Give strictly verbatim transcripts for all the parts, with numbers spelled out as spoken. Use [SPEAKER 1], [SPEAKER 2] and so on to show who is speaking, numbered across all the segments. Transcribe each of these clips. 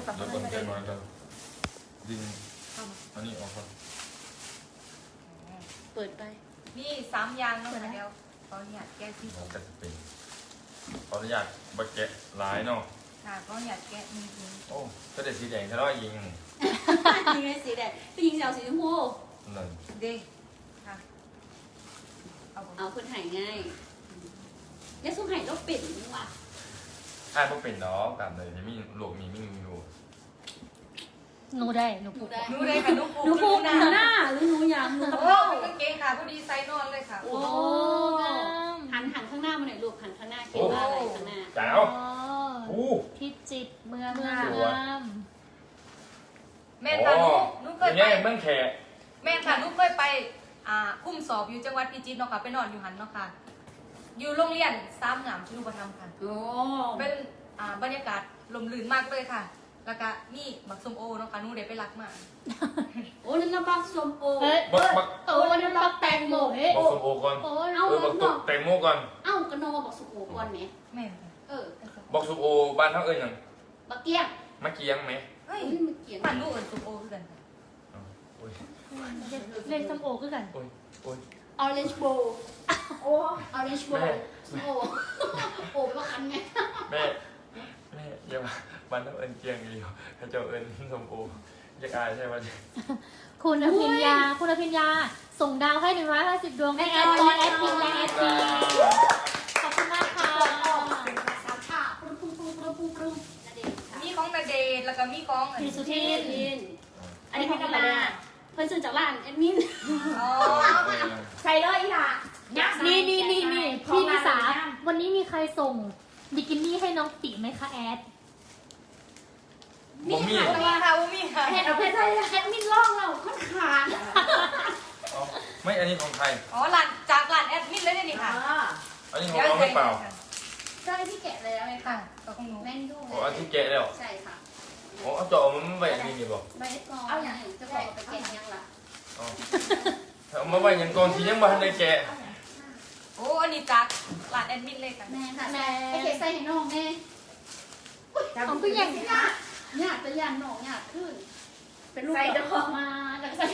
[SPEAKER 1] ศัพท์
[SPEAKER 2] เดี๋ยว
[SPEAKER 1] มั
[SPEAKER 2] ก่อน
[SPEAKER 1] น
[SPEAKER 2] ใจ
[SPEAKER 1] จะ
[SPEAKER 2] มาแล้วดึงอันนี้ออกก่อน
[SPEAKER 3] เปิดไป
[SPEAKER 4] นี่สามอย่างเนาะค่ะเดี๋ยวขออนุญาตแก้ที่
[SPEAKER 2] เราจะเป็นขออนุญาตบักแกะลายเนาะ
[SPEAKER 4] ค่ะขออนุญาตแก้นิดนึง
[SPEAKER 2] โอ้ก็ได้สีแดงทะเลาะยิง
[SPEAKER 3] ยิงไงสีแดงพี่ยิงเอาสีชมพู
[SPEAKER 2] นั่น
[SPEAKER 4] เด้ค่ะเอาบ่
[SPEAKER 3] เอาคนหายง่ายเนี่ยสู้หายแล้วเป็นว่ะ
[SPEAKER 2] ถ้าพวกเป็นดอกตามเลยที่มีหลวกมีไม่มีอยู่
[SPEAKER 1] หนูได้หนู
[SPEAKER 3] หนูได้
[SPEAKER 4] หนูเลยค่ะหนูปู
[SPEAKER 3] หนูพูด
[SPEAKER 4] ห
[SPEAKER 3] ห
[SPEAKER 4] น้า
[SPEAKER 3] น้าหรือหนูยางหนู
[SPEAKER 4] โอ้เป็นกางเกงค่ะพอดีไซส์นอนเลยค่ะ
[SPEAKER 3] โอ้
[SPEAKER 1] โอ้งาม
[SPEAKER 3] หันหันข้างหน้ามาหน่อยลูกหันข้างหน้าเขียนว่าอะไรข้างหน้า
[SPEAKER 2] แจ๋
[SPEAKER 1] อ๋
[SPEAKER 2] ว
[SPEAKER 1] อ
[SPEAKER 2] โอ้
[SPEAKER 1] พิจิตรเมืองง
[SPEAKER 2] สวย
[SPEAKER 1] าม
[SPEAKER 4] แม่ค่ะหนูหนูเค
[SPEAKER 2] อย ย่าง
[SPEAKER 4] ไป
[SPEAKER 2] เงี้ยเมื่อแขก
[SPEAKER 4] แม่ค่ะหนูเคยไปอ่าคุ้มสอบอยู่จังหวัดพิจิตรเนาะค่ะไปนอนอยู่หันเนาะค่ะ อยู่โรงเรียนสามงามชนุปธรรมค่ะ
[SPEAKER 3] โอ้
[SPEAKER 4] เป็นอ่าบรรยากาศลมลื่นมากเลยค่ะ แล้วก็นี่บักส้มโอเนาะค่ะหนูได้ไปรักมา
[SPEAKER 3] โอ้นั่นน้ำบักส้มโอ
[SPEAKER 1] เฮ้ย
[SPEAKER 2] บักบัก
[SPEAKER 1] โอ้นั่นบักแตงโมเฮ้ย
[SPEAKER 2] บักสมโอก่อน
[SPEAKER 1] โอ้
[SPEAKER 3] เอา
[SPEAKER 2] เออบักตุกแตงโมก่อน
[SPEAKER 3] เอ้ากระโนมาบักส้มโอก่อนไหม
[SPEAKER 4] แม่ค่ะ
[SPEAKER 3] เออ
[SPEAKER 2] บักสมโอบ้านเท่าเอ้ยยัง
[SPEAKER 3] บักเกี้ยง
[SPEAKER 2] มะเกียงไหม
[SPEAKER 4] เฮ้ย
[SPEAKER 3] เฮ้ยมันเกี่ยง
[SPEAKER 4] ปั่นลูกกับส้มโอคือกันค่ะ
[SPEAKER 2] อ้าวโอ้ย
[SPEAKER 1] เล่นสมโอคือกัน
[SPEAKER 2] โอ้ยโอ้ย
[SPEAKER 3] ออเรนจ์โบว์โอ้ออเรนจ์โบ
[SPEAKER 2] แม่
[SPEAKER 3] ว์ส้มโอโอ้ไปว่าคันไง
[SPEAKER 2] แม่แม่อย่ามาบ้านเท่าเอิญเกียงอยู่ถ้าเจ้าเอิญสมโออยากอายใช่ไหม
[SPEAKER 1] คุณอภิญญา คุณอภิญญา ส่งดาวให้หนึ่งร้อยห้าสิบดวงให้แอดตอนแอดพิมพ์และแอดพีขอบคุณมากค่ะ
[SPEAKER 3] สามชาปรุงปรุงปรุงปรุงปรุงปรุงนั่นเองค่ะ
[SPEAKER 4] มีของนาเดชน์แล้วก็มีของอัน
[SPEAKER 1] พี่
[SPEAKER 4] นี้
[SPEAKER 1] สุทิน
[SPEAKER 3] ลินอันนี้เป็นธรรมดาเพิ่นซื้อจากร้านแอดมิน
[SPEAKER 4] อ๋อ
[SPEAKER 3] ใส่เลยค่ะ
[SPEAKER 1] นี่นี่นี่นี่พี่นิสา วันนี้มีใครส่งบิกินี่ให้น้องติไหมคะแอด
[SPEAKER 2] บ่มี
[SPEAKER 4] มีค่ะมีค่ะ
[SPEAKER 3] แอดเอาไปใส่แอดมินล่องเราค่อนขาด
[SPEAKER 2] เอาไม่อันนี้ของใคร
[SPEAKER 4] อ๋อหลานจากหลานแอดมินเลยเนี่ยนี่ค่ะ
[SPEAKER 2] อันนี้ของเราหรือเปล่า
[SPEAKER 3] ใช่ที่แกะเลยไหม
[SPEAKER 4] ค่ะ
[SPEAKER 3] คะ
[SPEAKER 4] ก็ของหนู
[SPEAKER 3] แม่นดู
[SPEAKER 2] โอ้อันที่แกะแล้ว
[SPEAKER 3] ใช่ค่ะ
[SPEAKER 2] โอ้เอาจอมันไม่ไว้อันนี้นี่บอก
[SPEAKER 3] ใบกองเอาอย่างจะบอกไปแกะยังล่ะ
[SPEAKER 2] อ๋อเอามาไว้อยังก่อนที่ยังบ้านได้แกะ
[SPEAKER 4] โอ้อันนี้จากหลานแอดมินเลยค่ะ
[SPEAKER 3] แม่ค่ะไอเกใส่ให้น้องแม่
[SPEAKER 1] ของก็ยัง
[SPEAKER 3] ยากยากจะยันน้องยากขึ้น เป็นลูกดอกมาจากใส่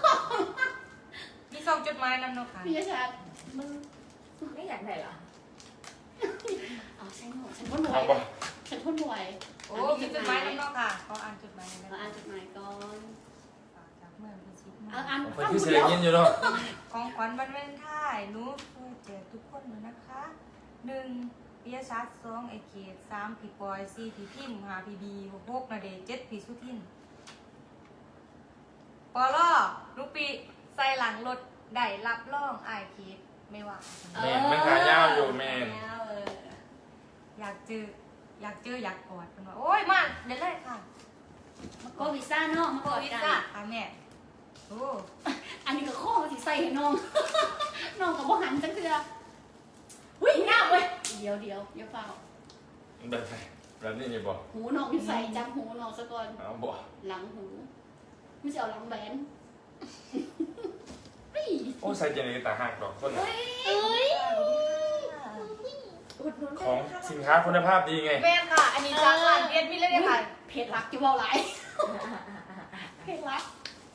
[SPEAKER 4] มีซองจดหมายนำเนาะค่ะ
[SPEAKER 3] พี่ชาติ
[SPEAKER 1] มึง
[SPEAKER 3] ไม่อยากได้หรออ๋อใช่หนูฉันพ่นหน่ว
[SPEAKER 2] เอา
[SPEAKER 3] ย
[SPEAKER 2] บ่
[SPEAKER 3] ฉันพ่นหน่วย
[SPEAKER 4] โอ้มีจดหมายนำเนาะค่ะขออ่านจดหมายหน่อย
[SPEAKER 3] เรา
[SPEAKER 4] นะ
[SPEAKER 3] อ่านจดหมายก่อน
[SPEAKER 4] จากเมืองพิจิตร
[SPEAKER 3] เอาอ่าน
[SPEAKER 2] ไปที่เสียเงินอยู่เนาะ
[SPEAKER 4] ของขวัญวันวาเลนไทน์หนูเพื่อแจกทุกคนเลยนะคะหนึ่งปิยชัดสองไอเกตสามพี่ปอยสี่พี่พิมพ์ห้าพี่บีหกนาเดชน์เจ็ดพี่สุทินปอล่อลูกปีใส่หลังรถได้รับรองไอเคสไม่ว่า
[SPEAKER 2] แม่มันขายาวอยู่แม่
[SPEAKER 4] อยากเจออยากเจออยากกอดกันว่าโอ้ยมาเดี๋ยวเลยค่ะ
[SPEAKER 3] ก็วีซ่าน้องมา
[SPEAKER 4] โค
[SPEAKER 3] กอด
[SPEAKER 4] วิ
[SPEAKER 3] กัน
[SPEAKER 4] ซ่าค่ะแม่โอ้
[SPEAKER 3] อันนี้ก็ข้อที่ใส่ให้น้อง น้องกับบ่หันจังเถื่อวิ่งหน้าเว้ยเดี๋ยวเดี๋ยวเดี๋ยวเฝ้า
[SPEAKER 2] แบบไหนแบบนี้นี่บอก
[SPEAKER 3] หูน้องที่ใส่จับหูน้องซะก่อน
[SPEAKER 2] เอาบอก
[SPEAKER 3] หลังหูไม่ใช่เอาหลังแบนเฮ้ย
[SPEAKER 2] โอ้ใส่เจนี่ตาหักดอกคนน่ะ
[SPEAKER 1] เอ้ย
[SPEAKER 2] ของสินค้าคุณภาพดีไง
[SPEAKER 4] แม่ค่ะ อันนี้จากร้านเรียนมิเลยค่ะ
[SPEAKER 3] เพจรักจะเว่าไรเพจรัก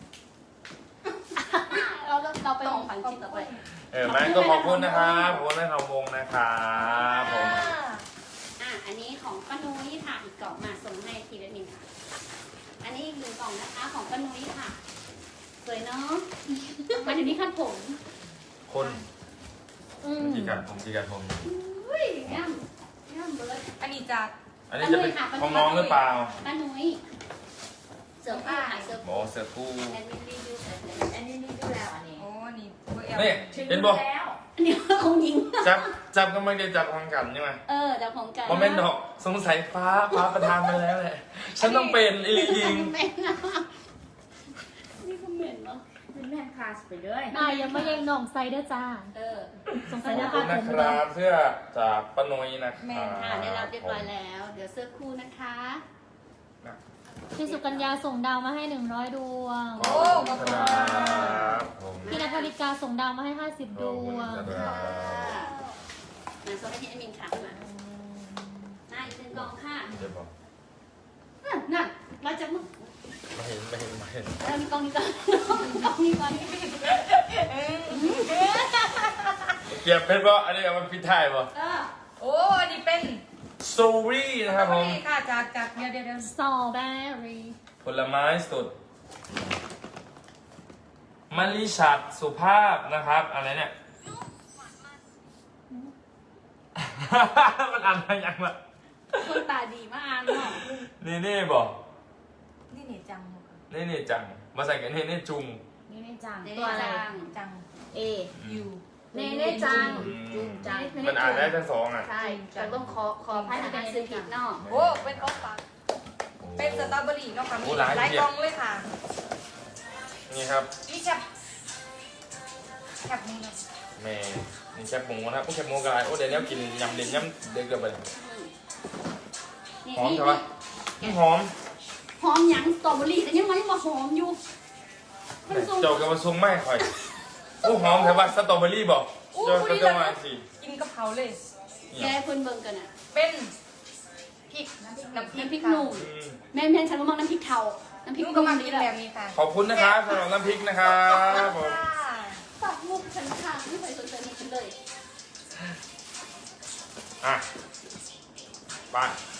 [SPEAKER 3] เราเราไปของฝันชิ้นต่อไป
[SPEAKER 2] เออแม่ก็ขอบคุณนะครับขอบคุณแม่ทองวงนะครับผม
[SPEAKER 3] อ่ะอันนี้ของป้านุ้ยค่ะอีกกล่องมาส่งให้ทีละหนึ่งค่ะ อันนี้อีกหนึ่งกล่องนะคะของป้านุ้ยค่ะสวยเนาะมันอยู่ที่ขั้นผม
[SPEAKER 2] คน
[SPEAKER 1] อืม
[SPEAKER 2] จีกันผมจีกันผม
[SPEAKER 3] อุ้ยง่ามง่ามเบิร์ด
[SPEAKER 4] อันนี้จาก
[SPEAKER 2] อันนี้จะเป็นของน้องหรือเปล่า
[SPEAKER 3] ป้านุ้ยเสือผ้าค่ะเสือ
[SPEAKER 2] หมอเสือกู้
[SPEAKER 3] แอนนี่รีวิวแบบไหน
[SPEAKER 5] อันนี้นี่ดูแล้วอันนี้
[SPEAKER 4] โอ้นี่เบอร์เอล
[SPEAKER 2] นี่เห็นบอก
[SPEAKER 5] แล้ว
[SPEAKER 3] อันนี้คงยิง
[SPEAKER 2] จับจับกำลังจะจับทางกันใช่ไหม
[SPEAKER 3] เออเดี๋ยวของกัน
[SPEAKER 2] โมเมนต์ดอกสงสัยฟ้าฟ้าประทานมาแล้วแหละฉันต้องเป็นอีลิยิง
[SPEAKER 3] เป็นนะนี่คอมเมนต์เนาะ
[SPEAKER 5] เป็นแม่คลาสไปเลย
[SPEAKER 1] นายยังไม่ยังน้องไซเดอร์จ้า
[SPEAKER 3] เออ
[SPEAKER 1] สง
[SPEAKER 2] ข
[SPEAKER 1] สัย
[SPEAKER 2] อบ
[SPEAKER 1] นะ
[SPEAKER 2] คุ
[SPEAKER 1] คะ
[SPEAKER 2] ณ
[SPEAKER 1] ผ
[SPEAKER 2] นะ
[SPEAKER 1] ม
[SPEAKER 2] ครับเสื้อจากป้านุ้ยนะค
[SPEAKER 4] แม่
[SPEAKER 2] รับ
[SPEAKER 3] ค่ะได้รับเรียบร้อยแล้ว เดี๋ยวเสื้อคู่นะคะ
[SPEAKER 1] พี่สุกัญญาส่งดาวมาให้หนึ่งร้อยดวง
[SPEAKER 2] ขอบคุณครับผม
[SPEAKER 1] พี่นภริกาส่งดาวมาให้ห้าสิบดวง
[SPEAKER 2] ขอบคุณครับ
[SPEAKER 3] มาโซนที่แอดมินค่ะมาหน้าอีกหนึ่งกล่องค่ะ
[SPEAKER 2] เดี๋ยวบอก
[SPEAKER 3] นั่นนั่นแล้วมีกล้องนี้ก่อนกล้องนี้ก่อน
[SPEAKER 2] เก็บเป็นบ่อันนี้เอามันพิดท้ายบ่
[SPEAKER 3] เออ
[SPEAKER 4] โอ้อันนี้เป็น
[SPEAKER 2] สตรอเบอรี่นะครับผม
[SPEAKER 4] นี่ค่ะจากจากเดี๋ยวเดี๋ยวเดี๋ยว
[SPEAKER 1] สตรอเบอรี่
[SPEAKER 2] ผลไม้สดมะลิฉัดสุภาพนะครับ อะไรเนี่ย มันอ่านมาอย่างละ
[SPEAKER 3] คนตาดีมากอ่านเนาะ
[SPEAKER 2] นี่นี่บอก
[SPEAKER 4] นี่เนี่ยจัง
[SPEAKER 2] นี่นี่จัง มาใส่กันนี่นี่จุง
[SPEAKER 5] นี่เน่จัง
[SPEAKER 3] เดี๋ยว
[SPEAKER 5] ตัวอะไร
[SPEAKER 3] จัง
[SPEAKER 4] จัง
[SPEAKER 5] เอ
[SPEAKER 4] ยู
[SPEAKER 5] เน่เน่จัง
[SPEAKER 2] อืม
[SPEAKER 5] จุงจัง
[SPEAKER 2] มันอ่านได้ทั้งสองอ่ะ
[SPEAKER 3] ใช่แต่ต้องขอขอให้อ่านซื้อผิดเนาะ
[SPEAKER 4] โอ้เป็นของฝากเป็นสตรอเบอรี่เนาะค่ะมี
[SPEAKER 2] โอ้หลาย
[SPEAKER 4] หลาย
[SPEAKER 2] เดีย
[SPEAKER 4] ก
[SPEAKER 2] ว
[SPEAKER 4] ล่องเลยค่ะ
[SPEAKER 2] นี่ครับ
[SPEAKER 4] นี่แคบแคบนี่นะ
[SPEAKER 2] แม่นี่แคบหมูนะครับพวกแคบหมูกอะไรโอ้เดี๋ยวนี้กินยำเด่นยำเด็กเกินไป
[SPEAKER 3] นี่
[SPEAKER 2] หอม
[SPEAKER 3] นี่
[SPEAKER 2] ใช่ปะนี่หอม
[SPEAKER 3] หอมหยังสตรอเบอรี่แต่ยังมันยังมาหอมอยู่มันสูง
[SPEAKER 2] เจ้ากับมาซุงไม่ค่อยโอ้หอมใช่ปะสตรอเบอรี่บอกเจ้าก็จะมาสิ
[SPEAKER 4] กินกะเพราเลย
[SPEAKER 3] แกเพิ่นเบิ่งกันอ่ะ
[SPEAKER 4] เป็นพริกน้ำพริก
[SPEAKER 3] น้ำพริก
[SPEAKER 4] ค่ะ
[SPEAKER 3] หนุ่ม
[SPEAKER 2] อืม
[SPEAKER 3] แม่แม่ฉันก็มองน้ำพริกเทาน้ำพริก
[SPEAKER 4] นุ่
[SPEAKER 3] ห
[SPEAKER 4] ก็
[SPEAKER 3] นุ่ม
[SPEAKER 4] มา
[SPEAKER 3] นี่
[SPEAKER 4] กิน
[SPEAKER 3] แห
[SPEAKER 4] แบ
[SPEAKER 3] ละ
[SPEAKER 4] บนี้ค่ะ
[SPEAKER 2] ขอบคุณนะครับสำหรับน้ำพริกนะครับผม
[SPEAKER 3] ฝากมุกฉันค่ะไม่เคยสนใจมุกฉันเลย
[SPEAKER 2] อ่ะไป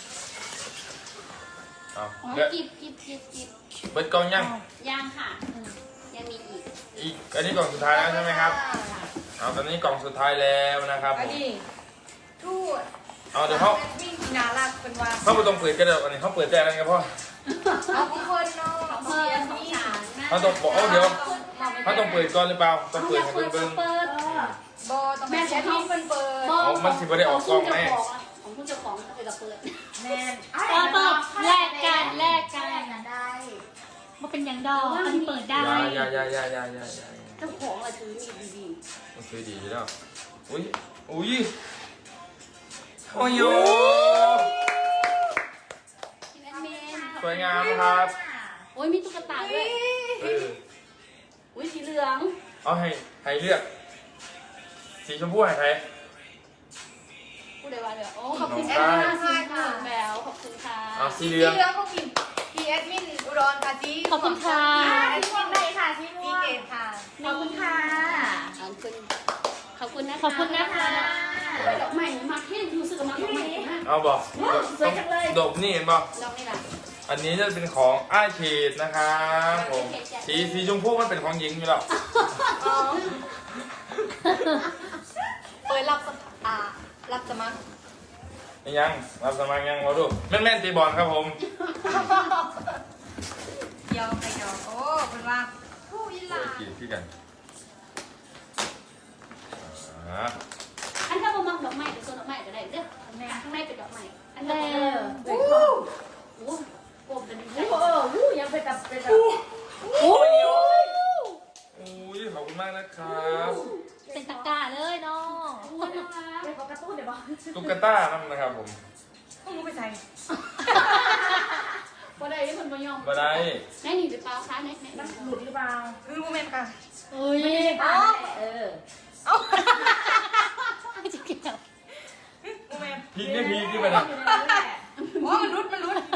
[SPEAKER 2] เอา
[SPEAKER 3] อ๋อ
[SPEAKER 2] เดี๋ยว
[SPEAKER 3] กิบกิบกิบกิบ
[SPEAKER 2] เบิดกล่องยัง
[SPEAKER 3] ย่างค่ะยังมีอีก
[SPEAKER 2] อีกอันนี้กล่องสุดท้ายแล้วใช่ไหมครับเอาตอนนี้กล่องสุดท้ายแล้วนะครับผ
[SPEAKER 4] อัน
[SPEAKER 2] ม
[SPEAKER 4] นี้ทูด
[SPEAKER 2] เอาเดี๋ยวเขา
[SPEAKER 4] วิ่งที่นาลักเป็นว่า
[SPEAKER 2] เขาไปตรงเปิดกันเดี๋ยวอันนี้เขาเปิดแจกอะไรกันพ่อ
[SPEAKER 4] เอาของคนเนาะ
[SPEAKER 3] ของเพื่อนของฉันนะ
[SPEAKER 2] เขาต้องบอกเอาเดี๋ยวเขาต้องเปิดก่อนหรือเปล่าต้อง
[SPEAKER 3] เอา
[SPEAKER 2] เปิ
[SPEAKER 3] อ
[SPEAKER 2] ด
[SPEAKER 3] ยาก
[SPEAKER 2] ให้
[SPEAKER 3] เปิด
[SPEAKER 2] เบิ่ง
[SPEAKER 3] เปิด
[SPEAKER 4] บอต้องแม่แชทที่เป็นเปิด
[SPEAKER 2] อ๋อมันสิบ่ได้ออกกล้องแน่
[SPEAKER 3] ของผู้เจ้าของเปิดกับเปิด
[SPEAKER 5] แน่น
[SPEAKER 1] เปิดเปิดแลกกันแลกกัน
[SPEAKER 5] กันได้
[SPEAKER 1] มาเป็นอย่างดอกอันนี้เปิด
[SPEAKER 2] ๆ
[SPEAKER 1] ได้
[SPEAKER 2] อยาอยาอยาอยาอยาอยา
[SPEAKER 3] เจ้าของอะถือมีดี
[SPEAKER 2] มันคือดีแล้วอุ้ยอุ้ยโอ้ยโย
[SPEAKER 3] ๆที่แอดมิน
[SPEAKER 2] สวยงามครับ
[SPEAKER 3] โอ้ยมีตุ๊กตาด้วย
[SPEAKER 2] เออ
[SPEAKER 3] อุ้ยสีเหลือง
[SPEAKER 2] เอาให้ให้เลือก สีชมพูให้ใคร
[SPEAKER 3] ผู้ใดว่าเดี๋ยวโอ้ขอบคุณ
[SPEAKER 2] น้
[SPEAKER 3] แอ
[SPEAKER 2] อง
[SPEAKER 3] ด
[SPEAKER 2] ได้
[SPEAKER 3] มินสีเหลืองแล้วขอบคุณค่ะ
[SPEAKER 2] เอาสี
[SPEAKER 4] สี
[SPEAKER 2] เห
[SPEAKER 4] เห
[SPEAKER 2] ลือง
[SPEAKER 4] ลืองของพี่พี่แอดมินอุดรค่ะสี
[SPEAKER 1] ขอบคุณค่ะ
[SPEAKER 5] สีม่วงได้ค่ะสี
[SPEAKER 4] สี
[SPEAKER 5] ม่วง
[SPEAKER 4] เกตค่ะ
[SPEAKER 5] ขอบคุณค่ะ
[SPEAKER 3] ขอบคุณขอบคุณนะคะ
[SPEAKER 1] ขอบคุณนะคะ
[SPEAKER 3] เฮ้ยดอกไม้มาเท่รู้สึกว่ามาดอกไม้มาก
[SPEAKER 2] เอาบอก
[SPEAKER 5] สวยจังเลย
[SPEAKER 2] ดอกนี่เห็นบอก
[SPEAKER 3] ดอกนี่แหละ
[SPEAKER 2] อันนี้จะเป็นของอ้ายเขตนะครับผมสีสีชมพูมันเป็นของหญิงอยู่แล้ว
[SPEAKER 4] เปิดรับสมัครอ่ารับสมัคร
[SPEAKER 2] ยังรับสมัครยังมาดูแม่นแม่นตีบอลครับผม
[SPEAKER 4] เดียวไปเดียวโอ้เป็นว่าผู้ยิลา
[SPEAKER 2] กินที่กันอ่า
[SPEAKER 3] อันถ้าบ่มักดอกไม้เป็นโซนดอกไม้ก็ได้เด้อแม่ข้างในเป็นดอกไม้อันนี้
[SPEAKER 1] แล้
[SPEAKER 3] ก็
[SPEAKER 1] ว
[SPEAKER 3] โอ้โหกลมเป็น
[SPEAKER 5] โอ้โหวู้ยังเป็นแบบเป็นแบบ
[SPEAKER 2] โอ้ยโอ้ยโอ้ยขอบคุณมากนะครับ
[SPEAKER 1] เป็นตะกร้าเลยเนาะ
[SPEAKER 5] เป็นของการ์ตูนเดี๋ยวบอก
[SPEAKER 2] ตุ๊กตานั่นนะครับผม
[SPEAKER 4] ต้องรู้ไปใส่
[SPEAKER 3] บ่ได้ที่มันบ่ยอม
[SPEAKER 2] มาได้
[SPEAKER 3] แม่นี่หรือเปล่าคะแม่แม่
[SPEAKER 5] มันหลุดหรือเปล่า
[SPEAKER 4] คือโมเมนต์ค่ะ
[SPEAKER 1] เอ้ย
[SPEAKER 5] อ๋อเออ
[SPEAKER 4] เอ้า
[SPEAKER 1] ไม่จะเกี่ยว
[SPEAKER 4] โมเมนต์
[SPEAKER 2] พีกไม่พีกที่มันอ่ะ
[SPEAKER 5] อยู่ในนั้นแหละ
[SPEAKER 4] โอ้มันรุดมันรุด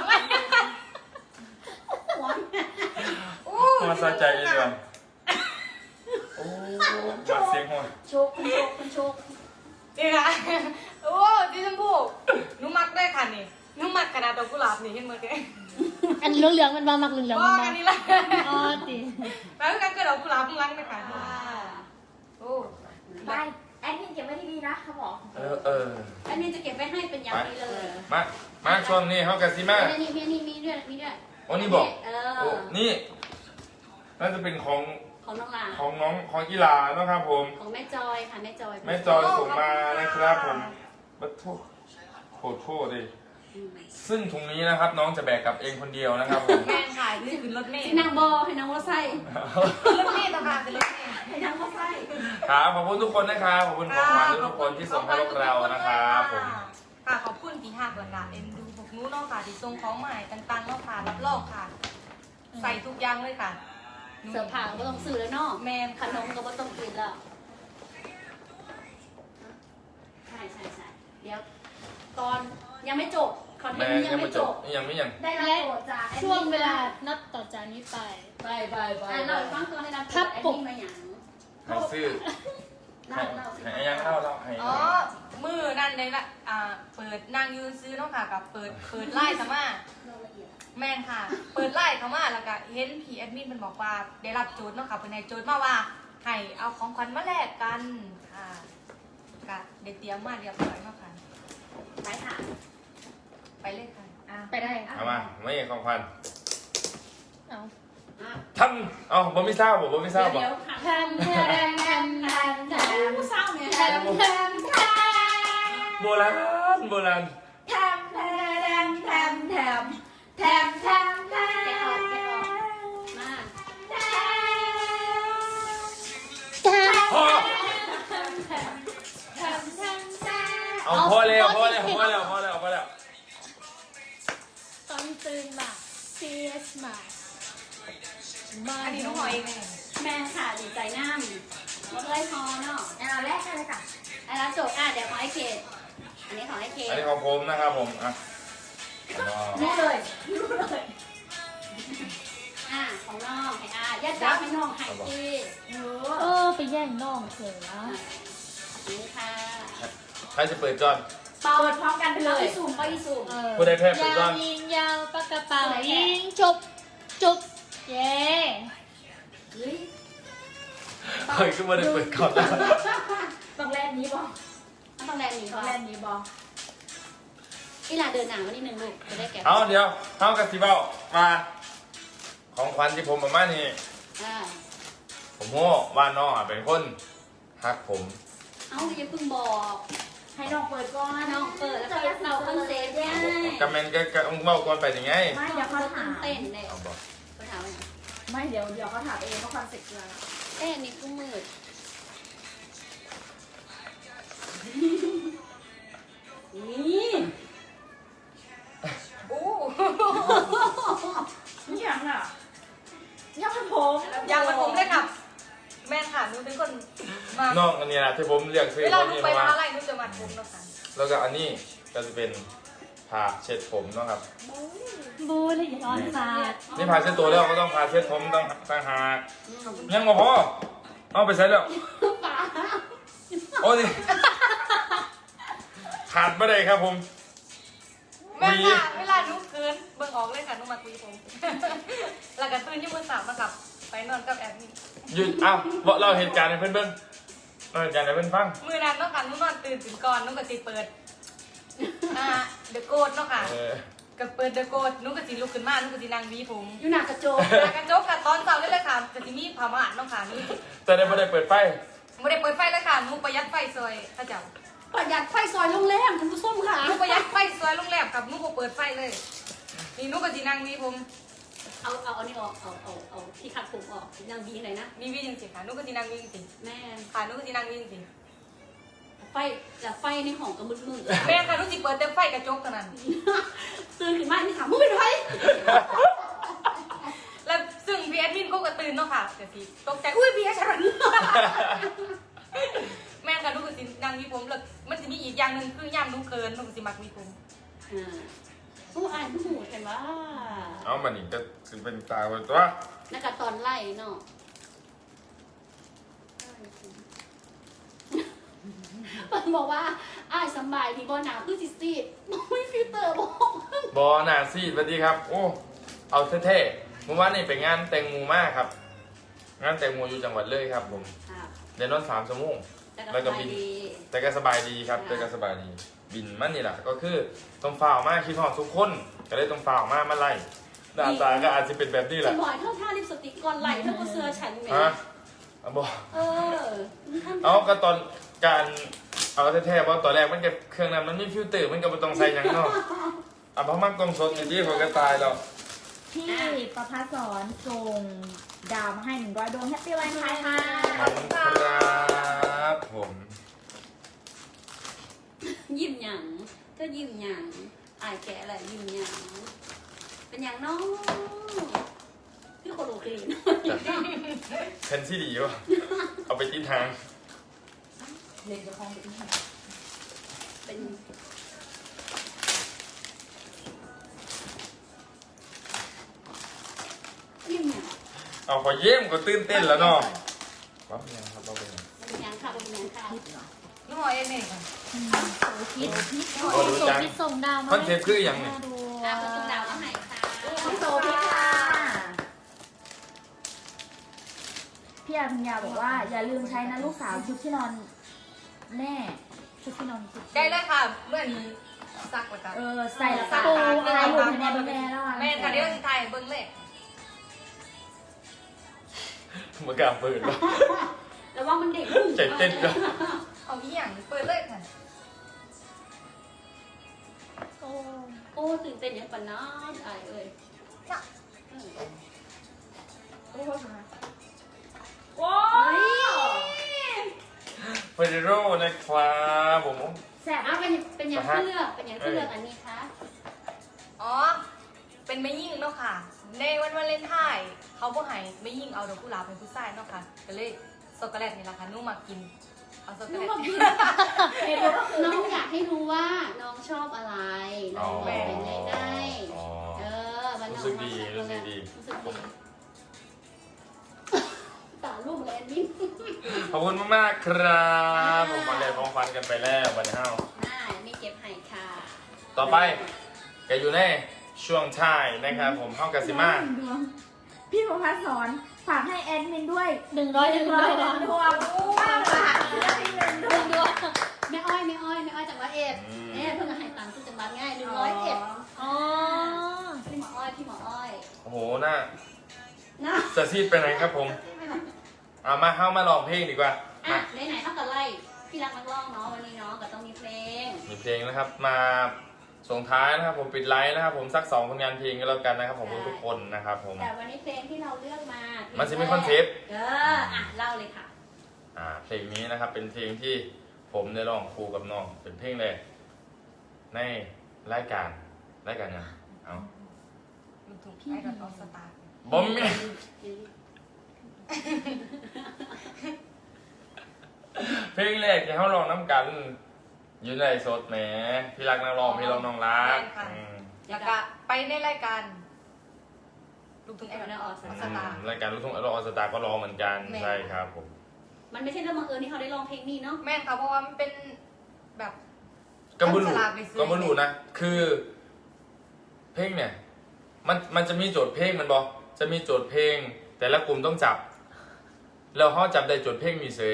[SPEAKER 3] หัว
[SPEAKER 4] โอ้
[SPEAKER 2] มาสะใจเลยดีกว่าโอ้มาเสียงหัว
[SPEAKER 3] โชคคุณโชคคุณโชค
[SPEAKER 4] นี่ค่ะโอ้ดิฉันพูดหนูมักได้ค่ะนี่หนูมักขนาดดอกกุหลาบนี่เห็นไหมแก
[SPEAKER 1] อันเหลืองๆมันมามักเหลืองๆ
[SPEAKER 4] บอ
[SPEAKER 1] มัน
[SPEAKER 4] ก
[SPEAKER 1] มา
[SPEAKER 4] อันนี้ละ
[SPEAKER 1] อ๋อติ
[SPEAKER 4] แล้วกันก็ดอกกุหลาบข้างหลังเลยค่ะโอ้
[SPEAKER 5] ไปแอดมินเก็บไว้ดีๆนะเขาบอก
[SPEAKER 2] เออเออ
[SPEAKER 3] อันนี้จะเก็บไว้ให้เป็นอย่างดีเลย
[SPEAKER 2] มามาช่วงนี้เขากันสิมา
[SPEAKER 3] นี่นี่นี่มีด้วยมีด้วย
[SPEAKER 2] โอ้นี่บอก
[SPEAKER 3] เอ
[SPEAKER 2] โอ้
[SPEAKER 3] อ
[SPEAKER 2] นี่น่าจะเป็นของ
[SPEAKER 3] ของน้องลา
[SPEAKER 2] ของน้องของกีฬานะครับผม
[SPEAKER 3] ของแม่จอยค่ะแม่จอย
[SPEAKER 2] แม่จอยส่งมานะครับผมบัตโทษโคตรโทษดิซึ่งถุงนี้นะครับน้องจะแบกกลับเองคนเดียวนะครับผม
[SPEAKER 4] แม่ขายนี่คือรถเมล์
[SPEAKER 3] นางบอให้นางว่าไส้
[SPEAKER 4] รถเมล์ต่างหากเป็นรถเมล์
[SPEAKER 3] ให้นางว่าไส้
[SPEAKER 2] ครับขอบคุณทุกคนนะครับขอบคุณของขวัญทุกคนที่ส่งให้พวกเรานะครับผม
[SPEAKER 4] ค่ะขอบคุณที่หักหลานเอ็นดูพวกนู้นเนาะค่ะที่ส่งของใหม่ต่างๆเนาะค่ะรับรองค่ะ ใส่ทุกอย่างเลยค่ะ
[SPEAKER 3] เสือผ่าก็ต้องซื้อแล้วเนาะ
[SPEAKER 4] แมน
[SPEAKER 3] ขนมก็ต้องกินแล้วใช่ใช่ใช่เดี๋ยวตอนยังไม่จบคอนเท
[SPEAKER 2] แม่
[SPEAKER 3] นต์นี้ยั
[SPEAKER 2] ยัง ง
[SPEAKER 3] ไม่
[SPEAKER 2] ไม่
[SPEAKER 3] จ
[SPEAKER 2] จ
[SPEAKER 3] บบ
[SPEAKER 2] ยังไม่ยัง
[SPEAKER 5] ได้รับ
[SPEAKER 1] และ
[SPEAKER 5] โปรดจากแอดมิน
[SPEAKER 1] ช่วงเวลานับต่อจากนี้ไป
[SPEAKER 5] ไปไปไป
[SPEAKER 3] อ่ะเราฟังตัวให้เรา
[SPEAKER 1] ครับ
[SPEAKER 3] แอด
[SPEAKER 1] ผม
[SPEAKER 3] มินมาอย่าง
[SPEAKER 2] ให้ซื้อ
[SPEAKER 3] เล่าเล่าสิ
[SPEAKER 2] ให้ยังเล่าเล่าให้
[SPEAKER 4] อ๋อ มือนั่นเลยละอ่า เปิดนางยืนซื้อเนาะค่ะกับเปิด เปิดไล่สมา
[SPEAKER 3] เล่าละเอียด
[SPEAKER 4] แม่นค่ะ เปิดไล่เขามาแล้วก็เห็นพี่แอดมินมันบอกว่าได้รับโจทย์เนาะค่ะเป็นให้โจทย์มาว่าให้เอาของขวัญมาแลกกันค่ะก็ได้เตรียมมาเรียบร้อยเนาะค่ะ
[SPEAKER 5] ไปค่ะ
[SPEAKER 4] ไปเลยค่ะ
[SPEAKER 5] อ่ะ
[SPEAKER 1] ไปได้
[SPEAKER 2] เอามาไม่ของควัน
[SPEAKER 1] เอา
[SPEAKER 3] อ่ะ
[SPEAKER 2] ท่านเอาผมไม่ทราบผมไม่ทราบ
[SPEAKER 3] เดี๋
[SPEAKER 2] บ่
[SPEAKER 3] ยวค่ะ
[SPEAKER 1] แทมแทมแทมแทมแทม
[SPEAKER 3] ผู้เศร้าเนี่ย
[SPEAKER 1] แทมแทมแทม
[SPEAKER 2] โบราณโบราณ
[SPEAKER 5] แทมแทมแทมแทมแทมแทมแท
[SPEAKER 3] แกะออกแกะออก
[SPEAKER 5] ม
[SPEAKER 3] มา
[SPEAKER 1] แทม
[SPEAKER 2] พอ
[SPEAKER 1] แทมแทมแทมแทมแทม
[SPEAKER 2] เอาพอแล้วพอแล้วพอแล้วพอแล้วพอแล้ว
[SPEAKER 1] ตอนตื่นมา serious มามา
[SPEAKER 4] อันนี้น้องหอยเองเลย
[SPEAKER 3] แม่ค่ะดีใจน้ำว่าเลยพอเนาะ
[SPEAKER 5] อ่ะเราแรกกันเลยค่ะ
[SPEAKER 3] อันนั้นจบอ่ะเดี๋ยวขอให้เกดอันนี้ขอให้เก
[SPEAKER 2] อัน
[SPEAKER 3] ด
[SPEAKER 2] นี้ของผมนะครับผมอ่ะ
[SPEAKER 5] รู้เลยรู้เลย
[SPEAKER 3] อ่ะของน้องให้อ่ะยัดจับให้น้องให้จี
[SPEAKER 5] รู้
[SPEAKER 1] เออไปแย่งน้องเถอะ
[SPEAKER 3] อ่ะนี่ค่ะ
[SPEAKER 2] ใครจะเปิดจอน
[SPEAKER 5] เปิดพร้อมกันไปเล
[SPEAKER 3] ไป
[SPEAKER 5] ย
[SPEAKER 3] สุ่มไปสุ่ม
[SPEAKER 1] เออ
[SPEAKER 2] ผู้ใดแพ้เปิดก่อน
[SPEAKER 1] ยาวยิงยาวปากกระเป๋ายิงจบจบเย้
[SPEAKER 5] เฮ้ย
[SPEAKER 2] เฮ้ยก็ไม่ได้เปิดก่อนนะ
[SPEAKER 5] ต้องแลนนี้บอ
[SPEAKER 3] ต้องแรงหนี
[SPEAKER 5] ต้
[SPEAKER 3] ก่
[SPEAKER 5] อ
[SPEAKER 3] อง
[SPEAKER 5] แล
[SPEAKER 3] น
[SPEAKER 5] นนี้บอ
[SPEAKER 3] อีหลาเดินหนังวันนี้หนึ่งลูกจะได้แกะ
[SPEAKER 2] เอาเดี๋ยวเอากระสิบเอามา ของขวัญที่ผมประมาณนี้
[SPEAKER 3] อ่า
[SPEAKER 2] ผมโง่ว่าน้องอ่ะเป็นคนฮักผม
[SPEAKER 3] เอ้าอย่าเพิ่งบอก
[SPEAKER 5] ให้น้องเปิดก่อน
[SPEAKER 3] น้องเปิดแล้วก็เราคอนเซ็ปต์ได้
[SPEAKER 2] กำเมนก็ก็เบ้าก่อนไปยังไง
[SPEAKER 5] ไม่เดี๋ยวเขาถาม
[SPEAKER 3] เต้นเลย
[SPEAKER 2] เอาบอก
[SPEAKER 3] เขาถามว่าไง
[SPEAKER 5] ไม่เดี๋ยวเดี๋ยวเขาถามเองว่าคอนเซ็ปต์คืออะไร
[SPEAKER 3] เอ๊ะนี่กูมืด นี่
[SPEAKER 4] อู้
[SPEAKER 5] นี่ยังอ่ะยังเป็นผม
[SPEAKER 4] อย่างมันผมเลยค่ะ แม่นค่ะหนูเป็นคนมา
[SPEAKER 2] น้องอันนี้นะที่ผมเรียกซื้อ
[SPEAKER 4] เว
[SPEAKER 2] เพ
[SPEAKER 4] ลา
[SPEAKER 2] ราะ
[SPEAKER 4] หนู
[SPEAKER 2] นี่
[SPEAKER 4] ไป
[SPEAKER 2] เพราะ
[SPEAKER 4] ม
[SPEAKER 2] ว่า
[SPEAKER 4] หาลัยหนูจะมาผมเนาะค่ะ
[SPEAKER 2] แล้วก็อันนี้ก็จะเป็นผ้าเช็ดผมเนาะครับ
[SPEAKER 1] บูเลยอย่าร้อนสาด
[SPEAKER 2] นี่ผ้าเช็ดตัวแล้วก็ต้องผ้าเช็ดผมต้องต่างหาก
[SPEAKER 3] อืม
[SPEAKER 2] ยังบ่พอเอาไปใช้แล้ว
[SPEAKER 3] ป๋า
[SPEAKER 2] โอ้ยขาดไม่ได้ครับผม
[SPEAKER 4] แม่ค่ะเวลาหนูเกินเบิ่งออกเลยค่ะหนูมาคุยผม แล้วก็ตื่นยี่มือสามมากับไปนอนกับแอดมิน
[SPEAKER 2] หยุดอ้าวบอกเราเหตุการณ์ให้เพื่อนเบิ่งเราเหตุการณ์ให้เพื่อนฟัง
[SPEAKER 4] มือนั้นเนาะค่ะหนูนอนตื่นถึงก่อนหนูก็สิเปิดอ่าเดอะโกดเนาะค่ะ
[SPEAKER 2] เออ
[SPEAKER 4] ก็เปิดเดอะโกดหนูก็สิลุกขึ้นมาหนูก็สินั่งหวีผม
[SPEAKER 3] อยู่หน้ากระจก
[SPEAKER 4] หากระจกค่ะตอนเช้าเลยเลยค่ะจะสิมีผ้าม่านเนาะค่ะหนู
[SPEAKER 2] แต่ได้ไม่ได้เปิดไฟ
[SPEAKER 4] ไม่ได้เปิดไฟเลยค่ะหนูประหยัดไฟซอยพระเจ้า
[SPEAKER 3] ประหยัดไฟซอยโรงแรมคุณผู้ชมค่ะ
[SPEAKER 4] หนูประหยัดไฟซอยโรงแรมกับหนูบ่เปิดไฟเลยนี่หนูก็สินั่งหวีผม
[SPEAKER 3] เอาเอาเอานี่ออกเอาเอาเอาที่ขัดผมออกนางบีไหนนะ
[SPEAKER 4] มีหวีจริงๆค่ะหนูก็สินั่งหวีจริง
[SPEAKER 3] แม่
[SPEAKER 4] ๆค่ะหนูก็สินั่งหวีจริง
[SPEAKER 3] ไฟแต่ไฟในห้องก็มืด
[SPEAKER 4] ๆแม่ค่ะหนูสิเปิดแต่ไฟกระจกเท่านั้น
[SPEAKER 3] ๆตื่นขึ้นมานี่ถามมึงเป็นใคร
[SPEAKER 4] แล้วซึ่งพี่แอดมินก็กระตื่นเนาะค่ะแต่สิตกใจอุ้ยพี่แอดชัน แม่ค่ะหนูก็สินั่งหวีผมแล้วมันสิมีอีกอย่างหนึงคือย่ามหนูเกินหนูก็สิมักหวีผม
[SPEAKER 3] อ่าผู้อ่านผู้หูเห็นว่า
[SPEAKER 2] เอามานี่ก็สิเป็นตาเป็นตัว
[SPEAKER 3] นักตอนไล่เนาะมันบอกว่าอ้ายสบายดีบอหนาคือซิซี่ไม่ฟิลเตอร์บอก
[SPEAKER 2] บอหนาซีดสวัสดีครับ โอ้ เอาเท่ๆเมื่อวานนี่ไปงานแตงโมมากครับ งานแตงโมอยู่จังหวัดเลยครับผม
[SPEAKER 3] ค่ะ
[SPEAKER 2] เดินนอนสามชั่วโมง
[SPEAKER 3] แต่
[SPEAKER 2] แล้วก็
[SPEAKER 3] ก็
[SPEAKER 2] บิ
[SPEAKER 3] บิ
[SPEAKER 2] น
[SPEAKER 3] นดี
[SPEAKER 2] แต่ก็สบายดีครับแต่ก็สบายดี บินมันนี่แหละก็คือต้องฝ่าวมากคิดหอดทุกคนก็เลยต้องฝ่าวมากมาไล่หน้าตาก็อาจจะเป็นแบบนี้แห
[SPEAKER 3] ฉั
[SPEAKER 2] ละ
[SPEAKER 3] นบอกให้เท่าท่าลิปสติกก่อนไหลเท่ากับเสื้อฉันไหม
[SPEAKER 2] ฮะเอาบอก
[SPEAKER 3] เออ
[SPEAKER 2] เอาก็ตอนการเอาแท้ๆเพราะตอนแรกมันก็เครื่องนั้นมันมีฟิลเตอร์มันก็ไม่ต้องใส่หยังเนาะอ่ะเพราะมันกลมสดอย่างที่ผมก็ตายแล้ว
[SPEAKER 5] พี่ประภาสอนส่งดาวมาให้หนึ่งร้อยดวงแฮปปี้วันไทยค่ะ
[SPEAKER 2] ขอบคุณครับผม
[SPEAKER 3] ยิ้มหยังก็ยิ้มหยังอายแกอะไรยิ้มหยังเป็นอย่างน้องพี่คนโอเคเนอะ
[SPEAKER 2] แทนที่ดีวะเอาไปจิ้นทาง
[SPEAKER 5] เล่นกับห้องไปที่ไหน
[SPEAKER 3] เป็น
[SPEAKER 2] เอาขอเยี่ยมก็ตื่นเต้นแล้วเนาะว่าเป็นยังครับว่าเป็นยัง
[SPEAKER 3] เป็นยังค่ะเป็นยังค่ะ
[SPEAKER 4] น้องหมอเอ็นเองค่ะ
[SPEAKER 1] โซคิด
[SPEAKER 2] โอ้ดู
[SPEAKER 1] โซ
[SPEAKER 2] จัง
[SPEAKER 1] คิดส่งดาวมา
[SPEAKER 2] คอนเทปคืออย่างเนี่ย
[SPEAKER 1] ดู
[SPEAKER 3] อ่ะคุณตุ้มดาวเอาให้ค่ะ
[SPEAKER 5] พี่โซพี่ค่ะพี่อาพิญญาบอกว่าอย่าลืมใช้นะลูกสาวชุดที่นอนแม่ชุดที่นอนสุด
[SPEAKER 4] ได้เลยค่ะเมื่อนี้ซักแล้วกัน
[SPEAKER 5] เออใส่แล้ว
[SPEAKER 4] ซั
[SPEAKER 5] ก็
[SPEAKER 4] ก
[SPEAKER 5] ปู
[SPEAKER 4] ตา
[SPEAKER 5] อะไร
[SPEAKER 4] ม
[SPEAKER 5] หลุดในแม่แม่แล้วอ่ะ
[SPEAKER 4] แม่ค่ะเดี๋ยวจะถ่ายเบิ้งเลย
[SPEAKER 2] เมื่อกล้าเปิดแล้ว
[SPEAKER 3] แล้วว่ามันเด็ก
[SPEAKER 2] ใจเต้นแล้ว
[SPEAKER 4] เอาอีหยังเปิดเลยค่ะ
[SPEAKER 1] โอ้
[SPEAKER 3] โอ้ตื่นเต้นอย่างปะน้องไอเอ้ย
[SPEAKER 4] น่ะ
[SPEAKER 5] โอ้โหโอ้
[SPEAKER 3] เฮ้ย
[SPEAKER 2] เฟอร์โร่นะครับผม
[SPEAKER 5] แสบ
[SPEAKER 3] อ่ะเป็นเป็นอย่างที่เลือกเป็นอย่างที่เลือกอันนี้คะ
[SPEAKER 4] อ๋อเป็นไม่ยิ่งเนาะค่ะ ในวันวาเลนไทน์เขาบ่ให้ไม่ยิ่งเอาดอกกุหลาบเป็นผู้ชายเนาะค่ะก็เลยช็อกโกแลตนี่แหละค่ะนุ่มมากินเอาช็อกโกแลต
[SPEAKER 5] เหตุผลก็คือ
[SPEAKER 3] น้องอยากให้รู้ว่าน้องชอบอะไรน้องบอกเป็นไงได้
[SPEAKER 2] อ๋อ
[SPEAKER 3] เออวันน้อง
[SPEAKER 2] รู้สึกดีรู้สึกดี
[SPEAKER 3] รู้สึกดีตาลูกแลนดิ้ง
[SPEAKER 2] ขอบคุณมากๆครับผมมาเรียนของฟันกันไปแล้ววันนี้เฮา
[SPEAKER 3] น่ามีเก็บให้ค่ะ
[SPEAKER 2] ต่อไปแกอยู่ในช่วงท้ายนะครับผมเข้ากับซิมา
[SPEAKER 5] พี่ประพัฒน์สอนฝากให้แอดมินด้วย
[SPEAKER 1] หนึ่งร้อยหนึ่ง
[SPEAKER 5] ร้
[SPEAKER 1] ร้
[SPEAKER 5] อ
[SPEAKER 1] อย ย
[SPEAKER 5] หนึ่งดวงฝากให้แอดมินด้วย
[SPEAKER 3] หนึ่งดวงแม่อ้อยแม่อ้อยแม่อ้อยจากร้อยเอ็ดเนี่ยเพิ่งให้ตังค์ซื้อจังหวัดง่ายหนึ่งร้อยเอ็ด
[SPEAKER 1] อ๋อ
[SPEAKER 3] พี่หมออ้อยพี่หมออ้อย
[SPEAKER 2] โอ้โหหน้า
[SPEAKER 3] นะ
[SPEAKER 2] สะซีดไปไหนครับผมเอามาเข้ามาลองเพลงดีกว่า
[SPEAKER 3] อ่ะ
[SPEAKER 2] มา
[SPEAKER 3] ไหนๆเท่ากับไล่พี่รักนักร้องเนาะวันนี้เนาะก็ต้องมีเพลง
[SPEAKER 2] มีเพลงนะครับมาส่งท้ายนะครับผมปิดไลฟ์นะครับผมสักสองผลงานเพลงก็แล้วกันนะครับผมทุกคนนะครับผม
[SPEAKER 3] แต่วันนี้เพลงที่เราเลือกมา
[SPEAKER 2] มันจะมีคอนเซปต์
[SPEAKER 3] เอออ่ะเล่าเลยค่ะ
[SPEAKER 2] อ่าเพลงนี้นะครับเป็นเพลงที่ผมได้ร้องคู่กับน้องเป็นเพลงแรกในรายการรายการยังเอา
[SPEAKER 4] ลูกทุ่งไอดอลออสตาร์
[SPEAKER 2] บอมมี่เพลงแรกที่เขาร้องน้ำกันอยู่ในสดแหมพี่รักนักร้องพี่ร้องน้องรักอืม
[SPEAKER 4] แล้วก็ไปในรายการลูกทุ่งไอดอลออส
[SPEAKER 2] อื
[SPEAKER 4] ตาร์
[SPEAKER 2] มรายการลูกทุ่งออสตาร์ก็ร้องเหมือนกัน
[SPEAKER 4] แม่
[SPEAKER 2] ใช่ครับผม
[SPEAKER 3] มันไม่ใช่เรื่องบังเอิญที่เขาได้ร้องเพลงนี้เนาะ
[SPEAKER 4] แม่นค่ะเพราะว่ามันเป็นแบบ
[SPEAKER 2] ก็ไม่รู้
[SPEAKER 4] ต้องสลับไปซื้อ
[SPEAKER 2] ก็ไม่รู้นะ คือ เพลงเนี่ย มันมันจะมีโจทย์เพลงมันบอกจะมีโจทย์เพลง แต่ละกลุ่มต้องจับ แล้วเขาจับได้โจทย์เพลงมีเสย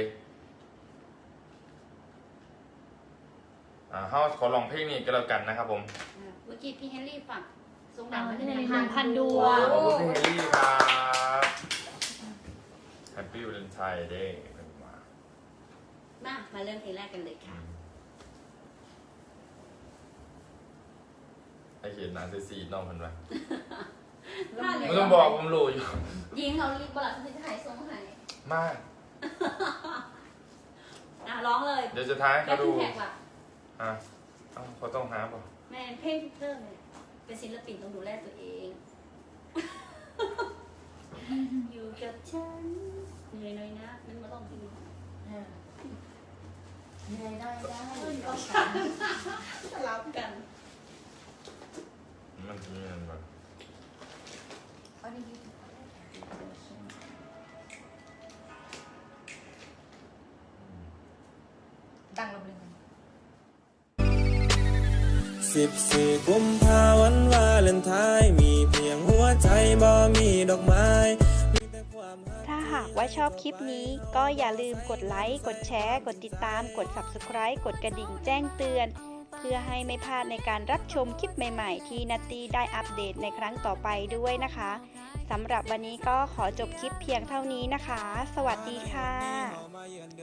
[SPEAKER 2] อ่าเขาขอลองเพลงนี้ก็แล้วกันนะครับผม
[SPEAKER 3] อ่ะเมื่อกี้พี่เฮนรี่ฝากทรง
[SPEAKER 1] ดา
[SPEAKER 3] ดาว ว
[SPEAKER 1] มา
[SPEAKER 3] มา
[SPEAKER 1] ที่
[SPEAKER 3] ที่
[SPEAKER 1] ห
[SPEAKER 3] ไหน
[SPEAKER 1] นึ่ง
[SPEAKER 3] คะ
[SPEAKER 1] พันดวง
[SPEAKER 2] ขอบคุณพี่เฮลี่ครับ Happy Valentine Day เป็นมา
[SPEAKER 3] มา มาเริ่มเพลงแรกกันเลยค่ะ
[SPEAKER 2] ไอเขียนนานเซซีน้องมันไป
[SPEAKER 3] มาเลย
[SPEAKER 2] ไม่ต้องบอกผมรู้อยู่
[SPEAKER 3] ยิงเขาลิบลัดที่จะหายทรงหาย
[SPEAKER 2] มาก
[SPEAKER 3] อ่ะร้องเลย
[SPEAKER 2] เดี๋ยวจะท้าย
[SPEAKER 3] แล้
[SPEAKER 2] เขา
[SPEAKER 3] ว
[SPEAKER 2] ดู
[SPEAKER 3] พี่แท็กล่ะ
[SPEAKER 2] อ่ะเอ้าเขาต้องหาป่ะ
[SPEAKER 3] แม่เพลงเพิ่มเลยเป็นศิลปินต้องดูแลตัวเอง อยู่กับฉันเหนื่อยหน่อยนะนั่นมาลองเพลงนี้
[SPEAKER 5] ได้ได้ได้
[SPEAKER 3] สลับกัน
[SPEAKER 2] มันจะมีมันแบบ
[SPEAKER 4] อันนี้ดังลงเลยค่ะ
[SPEAKER 6] สิบสี่กุมภาวันวาเลนไทน์มีเพียงหัวใจบ่มีดอกไม้มีแต่ความรัก
[SPEAKER 7] ถ้าหากว่าชอบคลิปนี้ก็อย่าลืมกดไลค์ กดแชร์ กดติดตาม กด ซับสไครบ์ กดกระดิ่งแจ้งเตือน เพื่อให้ไม่พลาดในการรับชมคลิปใหม่ๆ ที่นัตตี้ได้อัปเดตในครั้งต่อไปด้วยนะคะสำหรับวันนี้ก็ขอจบคลิปเพียงเท่านี้นะคะ สวัสดีค่ะ